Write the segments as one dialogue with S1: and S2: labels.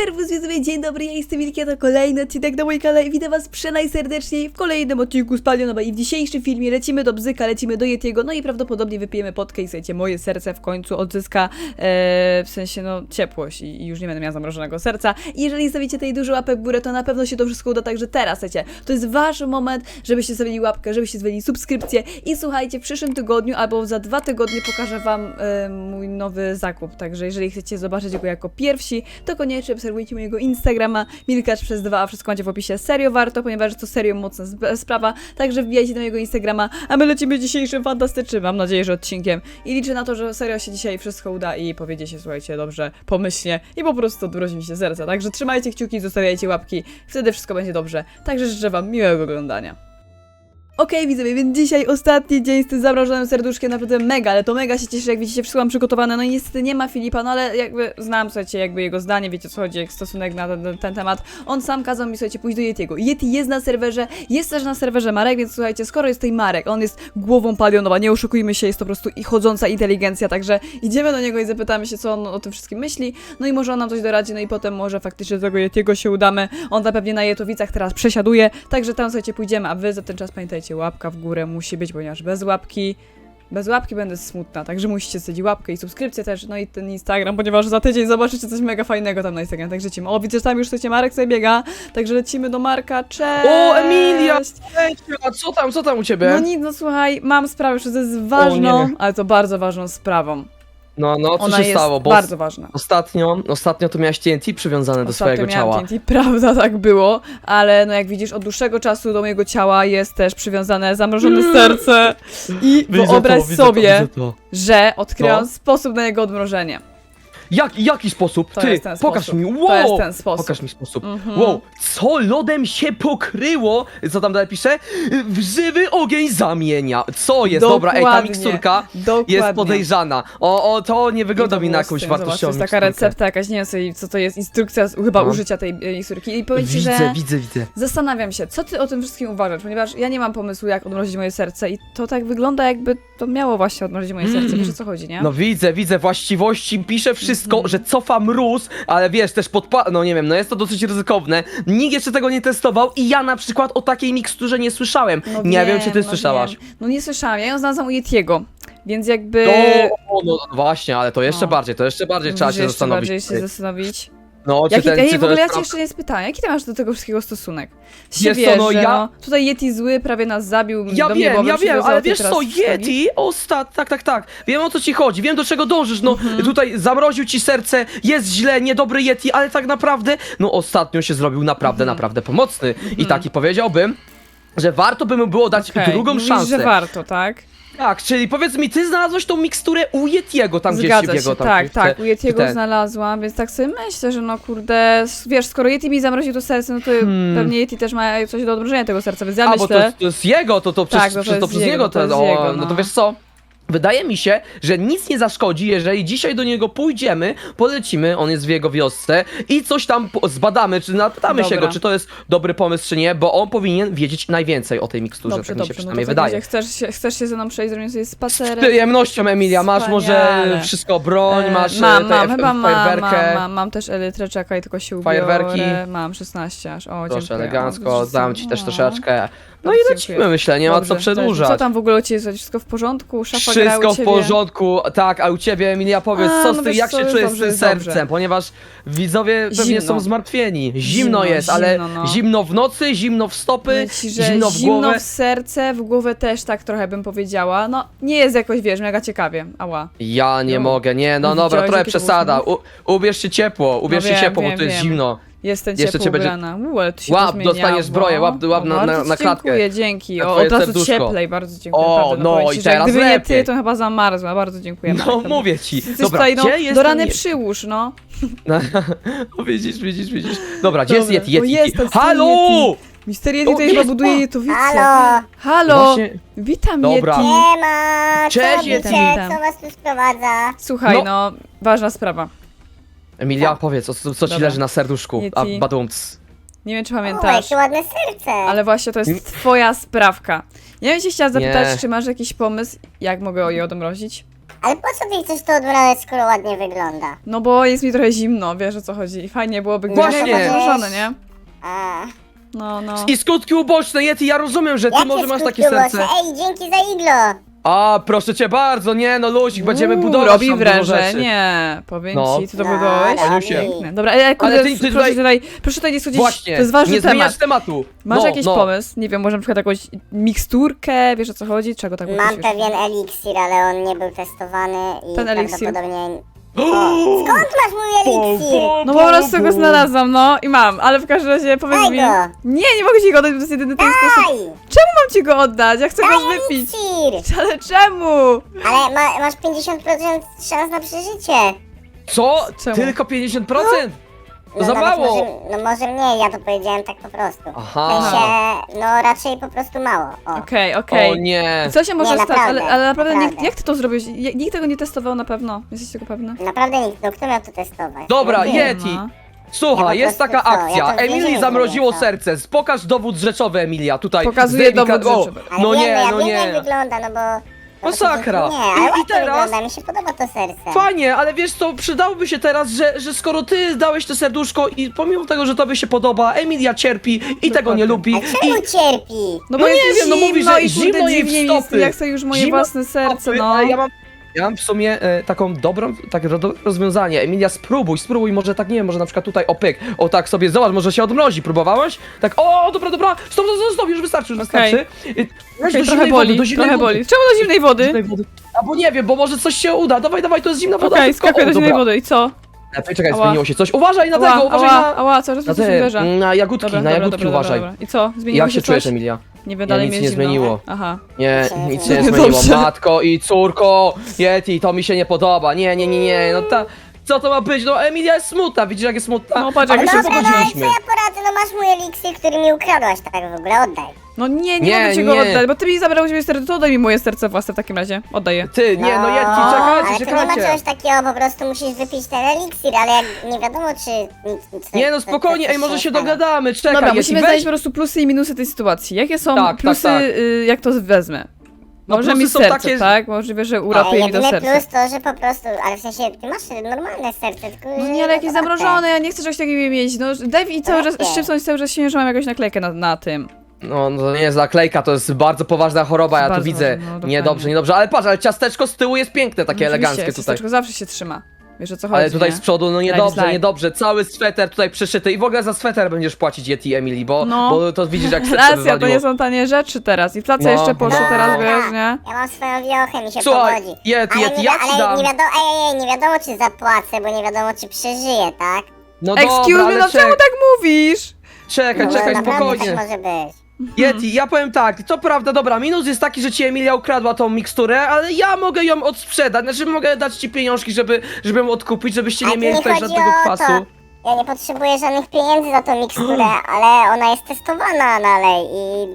S1: Serwus, widzowie, dzień dobry, ja jestem Wilkie, to kolejny odcinek na mój kanale i witam was przenajserdeczniej w kolejnym odcinku z Palionowa i w dzisiejszym filmie lecimy do Bzyka, lecimy do Yetiego, no i prawdopodobnie wypijemy potkę i słuchajcie, moje serce w końcu odzyska, w sensie no ciepłość i już nie będę miała zamrożonego serca. I jeżeli zostawicie tej dużo łapek w górę, to na pewno się to wszystko uda, także teraz, słuchajcie, to jest wasz moment, żebyście zostawili łapkę, żebyście zostawili subskrypcję i słuchajcie, w przyszłym tygodniu albo za 2 tygodnie pokażę wam mój nowy zakup, także jeżeli chcecie zobaczyć go jako pierwsi, to koniecznie obserwujcie mojego Instagrama milkacz2, a wszystko macie w opisie. Serio warto, ponieważ to serio mocna sprawa, także wbijajcie na mojego Instagrama, a my lecimy dzisiejszym fantastycznym, mam nadzieję, że odcinkiem i liczę na to, że serio się dzisiaj wszystko uda i powiedzie się, słuchajcie, dobrze, pomyślnie i po prostu odmrozi mi się serce, także trzymajcie kciuki, zostawiajcie łapki, wtedy wszystko będzie dobrze, także życzę wam miłego oglądania. Okej, widzowie, więc dzisiaj ostatni dzień z tym zamrożonym serduszkiem, naprawdę mega, ale to mega się cieszę, jak widzicie, wszystko mam przygotowane, no i niestety nie ma Filipa, no ale jakby znam, słuchajcie, jakby jego zdanie, wiecie o co chodzi, jak stosunek na ten temat, on sam kazał mi, słuchajcie, pójść do Yetiego. Yeti jest na serwerze, jest też na serwerze Marek, więc słuchajcie, skoro jest tutaj Marek, on jest głową Palionowa, nie oszukujmy się, jest to po prostu chodząca inteligencja, także idziemy do niego i zapytamy się, co on o tym wszystkim myśli, no i może on nam coś doradzi, no i potem może faktycznie do tego Yetiego się udamy, on tam pewnie na Jetowicach teraz przesiaduje, także tam, słuchajcie, pójdziemy, a wy za ten czas pamiętajcie, łapka w górę musi być, ponieważ bez łapki będę smutna, także musicie stać łapkę i subskrypcję też, no i ten Instagram, ponieważ za tydzień zobaczycie coś mega fajnego tam na Instagram, także lecimy. O, widzę, że tam już słuchajcie, Marek sobie biega, także lecimy do Marka, cześć!
S2: O, Emilia! Cześć, a co tam u ciebie?
S1: No nic, no słuchaj, mam sprawę, że to jest ważną, ale to bardzo ważną sprawą.
S2: No, co
S1: Ona
S2: się
S1: jest
S2: stało? Bo
S1: bardzo ważna.
S2: Ostatnio to miałaś TNT przywiązane do swojego ciała.
S1: TNT, prawda, tak było, ale no jak widzisz, od dłuższego czasu do mojego ciała jest też przywiązane zamrożone serce i wyobraź sobie, że odkryłam sposób na jego odmrożenie.
S2: Jaki sposób?
S1: To
S2: Ty,
S1: jest ten
S2: pokaż
S1: sposób.
S2: mi, wow!
S1: To jest ten sposób.
S2: Pokaż mi sposób. Wow, co lodem się pokryło? Co tam dalej pisze? W żywy ogień zamienia. Co jest? Dobra, ej, ta miksturka jest podejrzana. To nie wygląda mi na jakąś wartościową
S1: To jest taka recepta jakaś, nie wiem sobie, co to jest, instrukcja chyba użycia tej miksturki. I powiem ci, że
S2: widzę.
S1: zastanawiam się, co ty o tym wszystkim uważasz, ponieważ ja nie mam pomysłu, jak odmrozić moje serce i to tak wygląda, jakby to miało właśnie odmrozić moje serce. Wiesz, o co chodzi, nie?
S2: No widzę właściwości, pisze wszystko, że cofa mróz, ale wiesz, też no nie wiem, no jest to dosyć ryzykowne. Nikt jeszcze tego nie testował i ja na przykład o takiej miksturze nie słyszałem.
S1: No
S2: nie wiem, czy ty słyszałaś.
S1: Wiem. No nie słyszałam, ja ją znalazłam u Yetiego, więc jakby...
S2: No właśnie, ale to jeszcze bardziej trzeba się zastanowić.
S1: Bardziej się zastanowić.
S2: No,
S1: w ogóle ja cię jeszcze nie spytałem, jaki ty masz do tego wszystkiego stosunek? Tutaj Yeti zły prawie nas zabił.
S2: Ja wiem, ale wiesz co, Yeti, tak, wiem o co ci chodzi, wiem do czego dążysz, no tutaj zamroził ci serce, jest źle, niedobry Yeti, ale tak naprawdę, no ostatnio się zrobił naprawdę pomocny i taki powiedziałbym, że warto by mu było dać drugą szansę.
S1: Że warto, tak?
S2: Tak, czyli powiedz mi, ty znalazłeś tą miksturę u Yetiego tam gdzieś w jego tam.
S1: Tak, u Yetiego znalazłam, więc tak sobie myślę, że no kurde, wiesz, skoro Yeti mi zamroził to serce, no to pewnie Yeti też ma coś do odmrożenia tego serca, więc ja myślę...
S2: bo to jest jego, to przez niego, no to wiesz co? Wydaje mi się, że nic nie zaszkodzi, jeżeli dzisiaj do niego pójdziemy, polecimy, on jest w jego wiosce i coś tam zbadamy, czy napytamy się go, czy to jest dobry pomysł, czy nie, bo on powinien wiedzieć najwięcej o tej miksturze, tak mi się przynajmniej wydaje.
S1: Chcesz się ze mną przejść, zrobić sobie spacerek?
S2: Z przyjemnością, Emilia, masz może wszystko, broń, masz fajerwerkę.
S1: Mam też elytrę, czekaj, tylko się ubiorę.
S2: Fajerwerki.
S1: Mam 16 aż, o,
S2: proszę,
S1: dziękuję.
S2: elegancko, dam ci też troszeczkę. No i lecimy, myślę, nie ma co przedłużać.
S1: Co tam w ogóle u ciebie jest? Wszystko w porządku? Szafa
S2: Wszystko w porządku, tak, a u ciebie, Emilia, powiedz, jak się czujesz z tym sercem, ponieważ widzowie pewnie są zmartwieni. Zimno jest, ale zimno w nocy, zimno w stopy, zimno w głowę.
S1: Zimno w serce, w głowę też tak trochę bym powiedziała. No, nie jest jakoś, wiesz, mega ciekawie, ała.
S2: Ja nie mogę, no dobra, trochę przesada. Ubierz się ciepło, bo tu jest zimno.
S1: Jestem ciepło ubrana.
S2: Łap, dostaniesz zbroję, łap na klatkę.
S1: Dziękuję, dzięki. Od razu cieplej, bardzo dziękuję.
S2: O, no i teraz
S1: gdyby
S2: lepiej.
S1: nie ty, to chyba zamarzła, bardzo dziękuję.
S2: No mówię ci.
S1: Dobra, do rany przyłóż, no.
S2: Widzisz. Dobra, gdzie jest Yeti?
S1: Halo! Mister Yeti tutaj chyba buduje Jetowicę. Halo! Witam,
S2: Dobra.
S1: Yeti.
S3: Siema,
S2: Cześć, Yeti.
S3: co was tu sprowadza?
S1: Słuchaj, no, ważna sprawa.
S2: Emilia, powiedz, co ci leży na serduszku?
S1: Yeti.
S2: Badumc.
S1: Nie wiem, czy pamiętasz,
S3: jakie ładne serce.
S1: ale właśnie to jest twoja sprawka. Ja bym się chciała zapytać, czy masz jakiś pomysł, jak mogę je odmrozić?
S3: Ale po co ty chcesz to odmrażać, skoro ładnie wygląda?
S1: No bo jest mi trochę zimno, wiesz o co chodzi. Fajnie byłoby, gdyby
S2: Właśnie.
S1: było zamrożone, nie?
S3: A,
S1: No.
S2: I skutki uboczne, Yeti, ja rozumiem, że ty
S3: jakie
S2: może masz
S3: skutki
S2: takie serce.
S3: uboczne? Ej, dzięki za iglo!
S2: A, proszę cię bardzo, nie no luzik, będziemy budować
S1: Robi
S2: tam dużo rzeczy.
S1: wrażenie. Powiem
S2: No.
S1: ci, ty to
S3: No,
S1: budowałeś?
S2: Aniusie.
S1: Piękne. Dobra, ale kurde,
S2: Ale ty
S1: proszę tutaj nie schodzić,
S2: Właśnie,
S1: to jest ważny
S2: nie
S1: temat.
S2: zmieniasz tematu.
S1: Masz
S2: No,
S1: jakiś
S2: no.
S1: pomysł? Nie wiem, może na przykład jakąś miksturkę, wiesz o co chodzi? Czego tak
S3: Mam
S1: mówisz?
S3: pewien eliksir, ale on nie był testowany i
S1: Ten eliksir?
S3: prawdopodobnie... O, skąd masz mój eliksir?
S1: No po prostu go znalazłam, no i mam, ale w każdym razie powiedz
S3: Daj
S1: mi...
S3: go.
S1: Nie mogę ci go oddać, bo to jest jedyny ten sposób.
S3: Daj!
S1: Czemu mam ci go oddać? Ja chcę go
S3: Daj
S1: wypić.
S3: eliksir!
S1: Ale czemu?
S3: Ale masz 50% szans na przeżycie.
S2: Co?
S1: Czemu?
S2: Tylko 50%? To
S3: No
S2: za
S3: nawet
S2: mało.
S3: Może mniej, ja to powiedziałem tak po prostu.
S2: Aha.
S3: W sensie, no raczej po prostu mało. O.
S1: Okej.
S2: O nie.
S1: Co się może
S3: Nie,
S1: stać?
S3: naprawdę,
S1: Ale naprawdę
S3: naprawdę.
S1: jak ty to zrobiłeś? Nikt tego nie testował na pewno. Jesteś tego pewny?
S3: Naprawdę nikt, no kto miał to testować?
S2: Dobra,
S3: No nie.
S2: Yeti.
S1: No.
S2: Słuchaj,
S3: Ja
S2: jest
S3: po prostu
S2: taka
S3: co?
S2: akcja.
S3: Ja to w
S2: Emilii
S3: więzieniu
S2: zamroziło
S3: byłem, co?
S2: serce. Pokaż dowód rzeczowy, Emilia. Tutaj.
S1: Pokazuję
S2: zdejmij
S1: dowód
S2: o,
S1: rzeczowy.
S3: Ale
S2: No
S3: wiem,
S2: nie,
S3: ja
S2: no
S3: wiem jak
S2: nie.
S3: wygląda, no bo...
S2: Masakra.
S3: Nie, ale
S2: I
S3: ładnie
S2: teraz-
S3: wygląda, mi się podoba to serce.
S2: Fajnie, ale wiesz co, przydałoby się teraz, że skoro ty dałeś to serduszko i pomimo tego, że tobie się podoba, Emilia cierpi i tego nie lubi.
S3: A czemu cierpi?
S1: No bo
S2: No nie
S1: jest
S2: wiem, no
S1: zimno
S2: mówi, że
S1: i
S2: zimno
S1: kurde
S2: jej w
S1: dziwnie mi jest,
S2: stopy.
S1: ja chcę już moje
S2: Zimno
S1: własne serce,
S2: stopy,
S1: no.
S2: ale ja mam w sumie taką takie rozwiązanie. Emilia, spróbuj, może tak, nie wiem, może na przykład tutaj, o pyk, o tak sobie, zobacz, może się odmrozi, próbowałaś? Tak, o, dobra, stop, już wystarczy,
S1: Okej.
S2: Weź
S1: Okej,
S2: do
S1: trochę
S2: zimnej
S1: boli,
S2: wody, do zimnej
S1: trochę
S2: wody.
S1: boli. Czemu do zimnej wody?
S2: Zimnej wody. Albo nie wiem, bo może coś się uda, dawaj, to jest zimna woda.
S1: Okej,
S2: szybko.
S1: skakuję
S2: O,
S1: do zimnej
S2: dobra.
S1: wody i co?
S2: Lepiej, czekaj,
S1: Ała.
S2: zmieniło się coś. Uważaj na tego, uważaj
S1: ała, cały czas
S2: na
S1: mi coś
S2: te,
S1: uderza.
S2: na jagódki, na jagódki uważaj.
S1: Dobra. I co? Zmieniło
S2: Jak się
S1: coś?
S2: czujesz, Emilia?
S1: Nie wiem, dalej
S2: nic
S1: mi
S2: nie
S1: jest zimno.
S2: zmieniło.
S1: Aha.
S2: Nie,
S3: Dobrze.
S2: nic się nie
S1: Dobrze.
S2: zmieniło. Matko i córko, Yeti, to mi się nie podoba. Nie, no co to ma być? No Emilia jest smutna, widzisz jak jest smutna?
S1: No, patrz,
S2: A
S1: jak
S2: my
S1: się
S2: się
S3: Dobra, no ale co
S2: pogodziliśmy.
S3: ja poradzę, no masz mój eliksir, który mi ukradłaś tak w ogóle, oddaj.
S1: No nie
S2: Nie,
S1: mogę ci go
S2: nie.
S1: oddać, bo ty mi zabrałeś moje serce, to oddaj mi moje serce własne w takim razie. Oddaję.
S2: Ty, nie, no Yeti,
S3: ale
S2: czekajcie,
S3: to nie ma
S2: czekajcie.
S3: czegoś takiego, po prostu musisz wypić ten eliksir, ale jak nie wiadomo czy...
S2: Nie no spokojnie, ej, może się dogadamy, czekaj,
S1: Dobra,
S2: Yeti,
S1: musimy
S2: weź.
S1: znaleźć po prostu plusy i minusy tej sytuacji. Jakie są
S2: Tak,
S1: plusy,
S2: tak.
S1: jak to wezmę?
S2: No,
S1: Może
S2: plusy
S1: mi
S2: są
S1: serce,
S2: takie, że-
S1: tak? Możliwe, że uratuje mi to
S3: Jedyny
S1: serce.
S3: plus to, że po prostu, ale w sensie, ty masz normalne serce, tylko
S1: No
S3: że
S1: nie, ale jakieś
S3: otwarte.
S1: zamrożone, ja nie chcę czegoś takiego mieć. No daj mi cały czas
S3: Jakie?
S1: szczypnąć cały czas się, że mam jakąś naklejkę na tym.
S2: No to nie jest naklejka, to jest bardzo poważna choroba, ja tu
S1: Bardzo
S2: widzę.
S1: ważne, no, dokładnie.
S2: Niedobrze, ale patrz, ale ciasteczko z tyłu jest piękne, takie
S1: No, oczywiście,
S2: eleganckie tutaj.
S1: ciasteczko zawsze się trzyma. Wiesz o co chodzi,
S2: Ale tutaj
S1: nie?
S2: z przodu, no
S1: Slide.
S2: niedobrze, cały sweter tutaj przyszyty i w ogóle za sweter będziesz płacić Yeti, Emily, bo,
S1: No.
S2: bo to widzisz jak serce
S1: Racja, to
S2: wywaliło.
S1: nie są tanie rzeczy teraz. Inflacja
S2: No.
S1: jeszcze poszła
S2: No.
S1: teraz, wiesz, nie?
S3: Ja mam swoją wiochę, mi się
S2: Słuchaj,
S3: powodzi.
S2: Yeti,
S3: Ale,
S2: Yeti,
S3: nie,
S2: ja ci
S3: ale
S2: dam.
S3: nie wiadomo, nie wiadomo czy zapłacę, bo nie wiadomo czy przeżyję, tak?
S2: No
S1: Excuse
S2: dobra,
S1: me,
S2: ale
S1: no czemu tak mówisz?
S2: czekaj,
S3: No,
S2: czekaj,
S3: naprawdę
S2: spokojnie.
S3: tak może być.
S2: Yeti, ja powiem tak, to prawda, dobra, minus jest taki, że ci Emilia ukradła tą miksturę, ale ja mogę ją odsprzedać, znaczy mogę dać ci pieniążki, żeby ją odkupić, żebyście nie
S3: Ale tu
S2: mieli
S3: nie
S2: tutaj
S3: chodzi
S2: żadnego
S3: o
S2: kwasu.
S3: to. Ja nie potrzebuję żadnych pieniędzy za tą miksturę, ale ona jest testowana dalej i...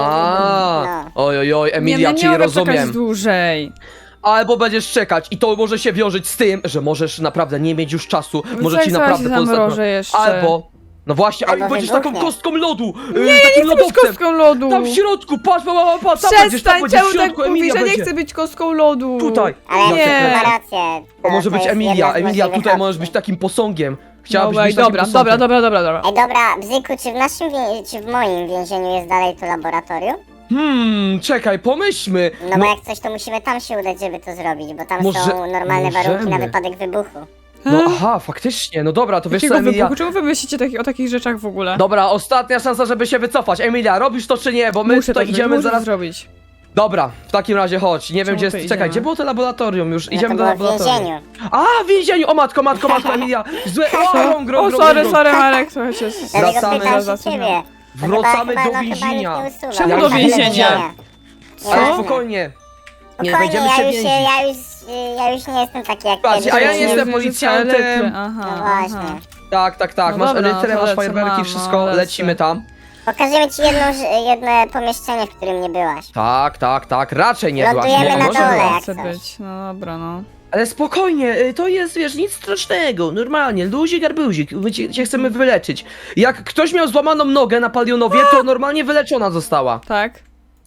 S2: A,
S3: no.
S2: oj,
S1: Nie,
S2: Emilia,
S1: no nie
S2: czyli
S1: mogę czekać
S2: rozumiem.
S1: dłużej.
S2: Albo będziesz czekać i to może się wiążeć z tym, że możesz naprawdę nie mieć już czasu, może
S1: co,
S2: ci
S1: jak
S2: naprawdę
S1: zaraz się zamrożę jeszcze?
S2: Albo, no właśnie,
S3: Albo
S2: ale będziesz taką
S3: wybuchnie.
S2: kostką lodu,
S1: Nie, ja nie chcę być kostką lodu.
S2: Tam w środku, patrz, tam będziesz
S1: Przestań,
S2: w
S1: czemu
S2: środku,
S1: tak mówisz,
S2: Emilia
S1: że nie
S2: będzie.
S1: chcę być kostką lodu.
S2: Tutaj.
S3: Ale
S1: Nie.
S3: ma rację.
S2: To może być
S3: jest
S2: Emilia,
S3: jedna z
S2: Emilia,
S3: możliwych
S2: tutaj możesz
S3: opcji.
S2: być takim posągiem. Chciałabyś
S1: Dobra,
S2: być takim
S1: dobra,
S2: posągiem.
S1: dobra.
S3: Ej, dobra, Bzyku, czy w naszym, czy w moim więzieniu jest dalej to laboratorium?
S2: Czekaj, pomyślmy.
S3: No bo jak coś, to musimy tam się udać, żeby to zrobić, bo tam
S2: Może-
S3: są normalne warunki na
S2: możemy.
S3: wypadek wybuchu.
S2: No aha, faktycznie, no dobra, to wiesz co,
S1: Jakiego
S2: Emilia.
S1: wybuchu? Czemu wy myślicie o takich rzeczach w ogóle?
S2: Dobra, ostatnia szansa, żeby się wycofać. Emilia, robisz to czy nie? Bo my
S1: Muszę
S2: tutaj
S1: to
S2: idziemy
S1: muszę to
S2: zaraz.
S1: zrobić.
S2: Dobra, w takim razie chodź. Nie wiem
S1: Czemu
S2: gdzie
S1: to
S2: jest. Czekaj,
S1: idziemy?
S2: gdzie było to laboratorium? Już
S3: No
S2: idziemy
S3: to
S2: do
S3: było w
S2: laboratorium.
S3: więzieniu.
S2: A, w więzieniu! O matko, Emilia! Złe.
S1: O, sorry, Marek, trochę cię...
S3: Dlatego
S2: Wracamy
S3: pytam
S1: za
S3: się
S1: tym.
S3: ciebie. Bo
S2: Wracamy
S3: chyba,
S2: do
S3: no, chyba
S2: więzienia.
S3: nikt nie usuwa.
S1: Czemu
S3: Ja
S1: do
S3: idę
S1: więzienia?
S2: Ale
S3: Nieważne.
S2: spokojnie. Nie
S3: Spokojnie,
S2: będziemy się więzić.
S3: ja już nie jestem taki jak
S2: Patrz,
S3: kiedyś.
S2: a ja
S3: Nie
S2: nie jestem
S1: wiem, że
S2: policjantem.
S1: litry, Aha,
S3: No
S1: aha.
S3: właśnie.
S2: Tak.
S1: No
S2: Masz
S1: dobra,
S2: elytrę,
S1: to
S2: masz
S1: lecę,
S2: fajerwerki,
S1: mam,
S2: wszystko.
S1: no, lecę.
S2: Lecimy tam.
S3: Pokażemy ci jedno pomieszczenie, w którym nie byłaś.
S2: Tak. Raczej nie byłaś.
S3: Lądujemy na
S2: Może
S3: dole.
S2: była.
S3: jak
S1: Chcę
S3: coś.
S1: być, no dobra, no.
S2: Ale spokojnie, to jest, wiesz, nic strasznego, normalnie, luzik, arbuzik, my cię chcemy wyleczyć. Jak ktoś miał złamaną nogę na Palionowie, to normalnie wyleczona została.
S1: Tak?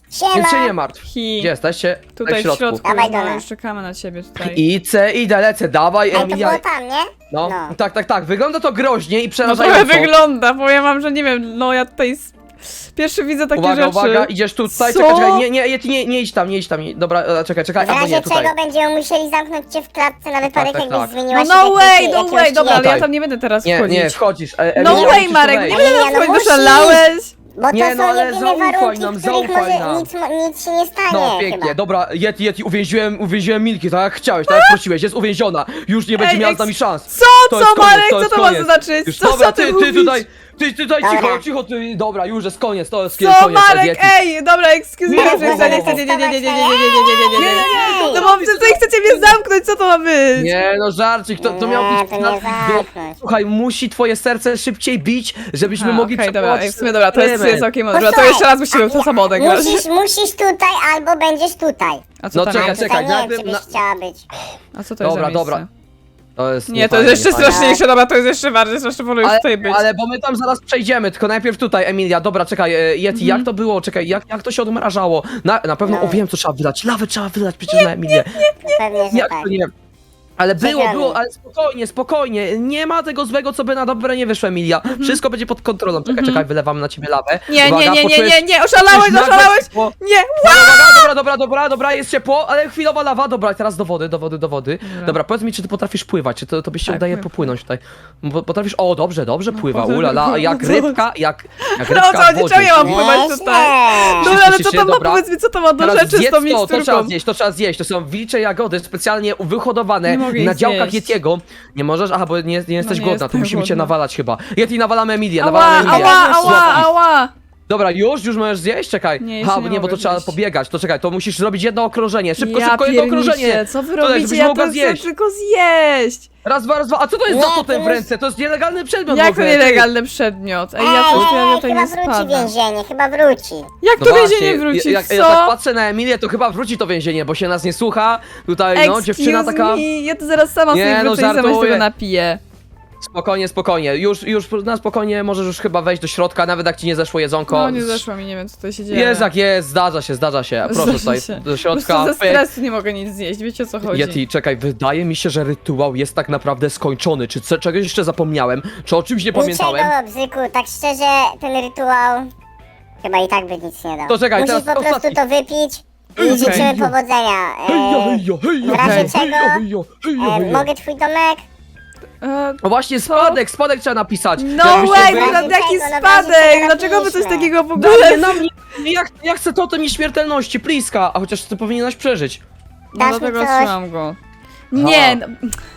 S2: Więc się nie
S3: Siema.
S2: martw.
S1: Hi.
S2: Gdzie jesteście?
S1: Tutaj w środku,
S3: Dawaj do
S1: no
S3: nas.
S1: już czekamy na ciebie tutaj.
S2: Idę, lecę, dawaj,
S3: Ej, to
S2: Emilia.
S3: było tam, nie?
S2: No,
S3: No.
S2: tak, wygląda to groźnie i
S1: No
S2: przerażająco.
S1: trochę wygląda, powiem wam, że nie wiem, no ja tutaj pierwszy widzę takie
S2: Uwaga,
S1: rzeczy.
S2: uwaga, idziesz tutaj,
S1: Co?
S2: czekaj, nie idź tam, Dobra, czekaj,
S3: W
S2: albo
S3: razie
S2: nie, tutaj.
S3: czego będziemy musieli zamknąć cię w klatce na wypadek,
S2: tak,
S3: jakbyś
S2: tak.
S3: zmieniła
S1: No
S3: się
S1: no
S3: w
S1: way,
S3: jakiegoś
S1: no way, dobra, ale
S2: Tutaj.
S1: ja tam nie będę teraz
S2: Nie,
S1: wchodzić.
S2: nie, wchodzisz.
S1: No
S2: Emilia,
S1: way,
S2: musisz
S1: Marek,
S2: tutaj
S1: nie
S2: wejść.
S1: będę
S3: Ej,
S1: tam
S3: no
S1: wchodzić,
S3: musisz.
S1: oszalałeś?
S3: Bo to
S2: Nie, no,
S3: są
S2: ale
S3: jedyne
S2: zaufaj
S3: warunki,
S2: nam,
S3: w których
S2: zaufaj nam.
S3: może nic się nie stanie
S2: No, pięknie,
S3: chyba.
S2: dobra, Yeti, uwięziłem Milki, tak jak chciałeś, tak jak prosiłeś, jest uwięziona. Już nie będzie
S1: Ej,
S2: miała z nami szans.
S1: Co,
S2: To jest
S1: co,
S2: koniec,
S1: Marek,
S2: to
S1: co
S2: jest
S1: to ma
S2: koniec.
S1: znaczyć?
S2: Już,
S1: Co
S2: dobra,
S1: ty
S2: ty
S1: mówisz?
S2: tutaj,
S3: Dobra.
S2: cicho, ty, dobra, już jest koniec, to jest
S1: Co,
S2: koniec,
S1: Marek,
S2: Yeti.
S1: ej, dobra, excuse me,
S3: Nie,
S1: dobrze,
S3: nie,
S1: nie chcę, nie.
S3: Ej,
S1: No bo tutaj chcecie mnie zamknąć, co to ma być?
S2: Nie, no żarcik, to miał
S3: Nie,
S2: być...
S3: to nie zamknąć.
S2: Słuchaj, musi twoje serce szybciej bić, żebyśmy
S1: A,
S2: mogli
S1: okej, dobra,
S2: przewołać
S1: ej, w sumie dobra, to jest
S2: element.
S1: całkiem mądre. To
S3: Posłuchaj,
S1: jeszcze raz musimy w to samo odegrać.
S3: Musisz tutaj albo będziesz tutaj.
S1: A co
S2: No
S1: tam
S2: czekaj,
S1: jest?
S3: Tutaj nie wiem,
S2: najpierw
S3: czy byś
S2: na-
S3: chciała być.
S1: A co to jest
S2: Dobra,
S1: za miejsce?
S2: dobra. To jest
S1: Nie, to
S2: niefajne,
S1: jest jeszcze
S2: niefajne.
S1: straszniejsze, dobra, to jest jeszcze bardziej straszne, wolę już tutaj być.
S2: Ale bo my tam zaraz przejdziemy, tylko najpierw tutaj, Emilia, dobra, czekaj, Yeti, jak to było, czekaj, jak to się odmrażało? Na pewno,
S3: No.
S2: o wiem co trzeba wylać, lawę trzeba wylać przecież na Emilię.
S3: Pewnie, że
S2: Jak
S3: tak.
S2: to nie? Ale
S3: Czekamy.
S2: było, ale spokojnie, nie ma tego złego, co by na dobre nie wyszło, Emilia. Wszystko będzie pod kontrolą, czekaj, wylewamy na ciebie lawę.
S1: Nie,
S2: Uwaga,
S1: nie,
S2: poczujesz-
S1: oszalałeś,
S2: czujesz nagle
S1: oszalałeś!
S2: ciepło?
S1: Nie,
S2: Dobra, jest ciepło, ale chwilowa lawa, dobra, teraz do wody. Dobra, powiedz mi, czy ty potrafisz pływać, czy to byś się
S1: Tak,
S2: udaje
S1: pływam.
S2: popłynąć tutaj. Potrafisz, o, dobrze pływa,
S1: potem-
S2: ulala, jak rybka, jak
S1: No
S2: rybka
S1: co,
S2: w
S1: nie
S2: wodzie.
S1: czemu ja mam
S2: czyli-
S1: pływać
S3: Nieźle.
S1: tutaj? No
S2: Cieszysz
S1: ale co
S2: się,
S1: to ma,
S2: dobra.
S1: powiedz mi, co to ma do
S2: Teraz
S1: rzeczy z
S2: zjedz
S1: tą
S2: to trzeba
S1: miksturką?
S2: zjeść, to są wilcze jagody specjalnie wyhodowane
S1: Nie mogę
S2: na
S1: ich
S2: działkach
S1: zjeść.
S2: Yetiego. Nie możesz? Aha, bo nie jesteś
S1: nie
S2: głodna, to
S1: jestem
S2: musimy cię
S1: głodna.
S2: nawalać chyba. Yeti, nawalamy Emilię,
S1: Ała,
S2: nawalamy Emilię.
S1: ała!
S2: Dobra, już możesz zjeść? Czekaj.
S1: Nie, jeszcze nie
S2: bo to
S1: mogę
S2: trzeba
S1: zjeść.
S2: pobiegać, to czekaj, to musisz zrobić jedno okrążenie. Szybko,
S1: Ja
S2: jedno
S1: pierniczę,
S2: okrążenie.
S1: co wy
S2: Tutaj,
S1: robicie?
S2: żebyś
S1: Ja
S2: mogła
S1: to chcę
S2: zjeść.
S1: tylko zjeść!
S2: Raz, dwa. A co to jest
S3: Nie,
S2: za totem w
S3: ty
S2: ręce? To jest nielegalny przedmiot w
S1: Jak to
S2: ogóle, ty.
S1: nielegalny przedmiot? Ej, ja coś ja tutaj
S3: chyba
S1: nie
S3: wróci
S1: spadam.
S3: więzienie, chyba wróci.
S1: Jak
S2: No
S1: to
S2: właśnie,
S1: więzienie wróci,
S2: jak
S1: co?
S2: ja tak patrzę na Emilię, to chyba wróci to więzienie, bo się nas nie słucha. Tutaj, no, dziewczyna
S1: Excuse
S2: taka...
S1: me, ja to zaraz sama
S2: Nie,
S1: sobie
S2: no,
S1: wrócę i sama się
S2: żartuję.
S1: tego napiję.
S2: Spokojnie. Już na spokojnie możesz już chyba wejść do środka, nawet jak ci nie zeszło jedzonko.
S1: No nie zeszło mi, nie wiem co tutaj się dzieje.
S2: Jest jak jest, zdarza się. Proszę
S1: Zdarza
S2: tutaj
S1: się.
S2: do
S1: Po
S2: środka.
S1: prostu ze
S2: pyk.
S1: stresu nie mogę nic zjeść, wiecie o co chodzi.
S2: Yeti, czekaj, wydaje mi się, że rytuał jest tak naprawdę skończony. Czy czegoś jeszcze zapomniałem? Czy o czymś nie pamiętałem?
S3: Niczego, Bzyku, tak szczerze, ten rytuał chyba i tak by nic nie dał.
S2: To czekaj,
S3: Musisz
S2: teraz
S3: po prostu
S2: ostatni.
S3: to wypić i
S1: Okej.
S3: życzymy powodzenia. W razie czego, mogę twój domek?
S2: O właśnie, spadek trzeba napisać.
S1: No
S2: Jakbyście
S1: way,
S2: wy-
S1: no
S3: Czego,
S1: jaki
S3: no
S1: spadek!
S3: właśnie
S1: Dlaczego wy coś
S3: napiszmy.
S1: takiego w
S2: Na
S1: ogóle...
S2: mnie, ja chcę totem nieśmiertelności, pliska, a chociaż ty powinieneś przeżyć.
S1: No
S3: Dasz mi
S1: dlatego
S3: coś?
S1: trzymam go. Nie, no...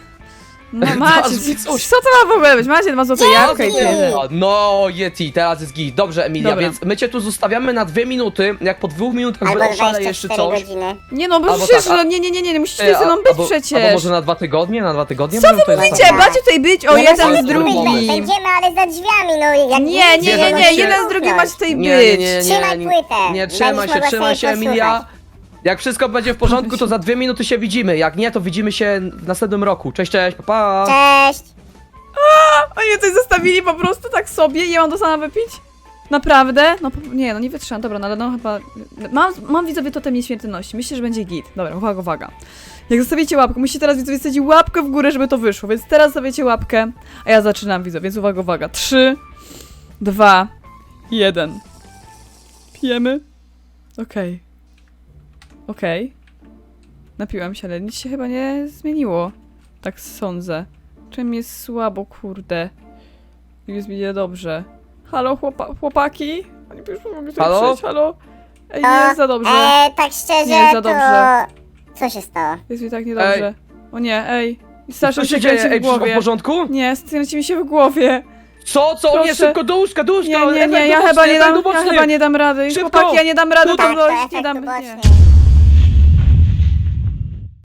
S1: No macie,
S2: Dasz mi coś.
S1: co to ma w ogóle być? Macie 2 złote jabłka i tyle.
S2: No, Yeti, teraz jest git. Dobrze, Emilia,
S1: Dobra.
S2: więc my cię tu zostawiamy na 2 minuty. Jak po 2 minutach
S3: Albo
S2: oszaleje jeszcze
S3: 24
S2: coś.
S3: godziny.
S1: Nie no, bo
S2: Albo
S1: przecież,
S2: tak, a-
S1: no nie, musicie ze mną być
S2: albo
S1: przecież.
S2: może na 2 tygodnie?
S1: Co
S2: Możemy
S1: wy
S2: tutaj
S1: mówicie?
S2: zostawić.
S1: Macie tutaj być o
S3: Nie
S1: jeden
S3: możemy
S1: z
S3: tu być,
S1: drugim.
S3: Będziemy, ale za drzwiami, no jak
S1: Nie,
S2: Zjedzą się.
S1: jeden z drugim macie tutaj
S2: Nie,
S1: być.
S3: Trzymaj płytę.
S2: Nie,
S3: Będziesz
S2: trzymaj
S3: mogła
S2: się,
S3: sobie
S2: Emilia.
S3: posłuchać.
S2: Jak wszystko będzie w porządku, to za 2 minuty się widzimy. Jak nie, to widzimy się w następnym roku. Cześć, pa, pa.
S3: Cześć.
S1: Oni coś zostawili po prostu tak sobie i ja mam to sama wypić? Naprawdę? No nie, no nie wytrzymam, dobra, no ale no chyba... Mam widzowie totem nieśmiertelności, myślę, że będzie git. Dobra, uwaga. Jak zostawicie łapkę, musicie teraz widzowie stawić łapkę w górę, żeby to wyszło, więc teraz stawiacie łapkę, a ja zaczynam widzowie, więc uwaga. 3, 2, 1. Pijemy? Okej. Napiłam się, ale nic się chyba nie zmieniło. Tak sądzę. Czym jest słabo, kurde. Jest mi niedobrze. Halo, chłopaki? Oni już mogą tutaj
S2: Halo?
S1: przyjść, halo? Ej, nie jest za dobrze.
S3: Tak szczerze,
S1: Nie jest za
S3: to...
S1: dobrze.
S3: Co się stało?
S1: Jest mi tak niedobrze. O nie, ej. Strasznie
S2: Co się
S1: się
S2: dzieje?
S1: kręci
S2: Ej,
S1: w
S2: wszystko w
S1: głowie.
S2: porządku?
S1: Nie, kręci mi się w głowie.
S2: Co? O nie,
S1: Proszę.
S2: szybko do łóżka,
S1: Nie, ja chyba nie dam rady.
S2: Szybko.
S1: Chłopaki, ja nie dam rady,
S2: Tutaj.
S1: tam dojść,
S3: Tak,
S1: nie
S3: efekt
S1: dam... Nie.
S3: uboczny.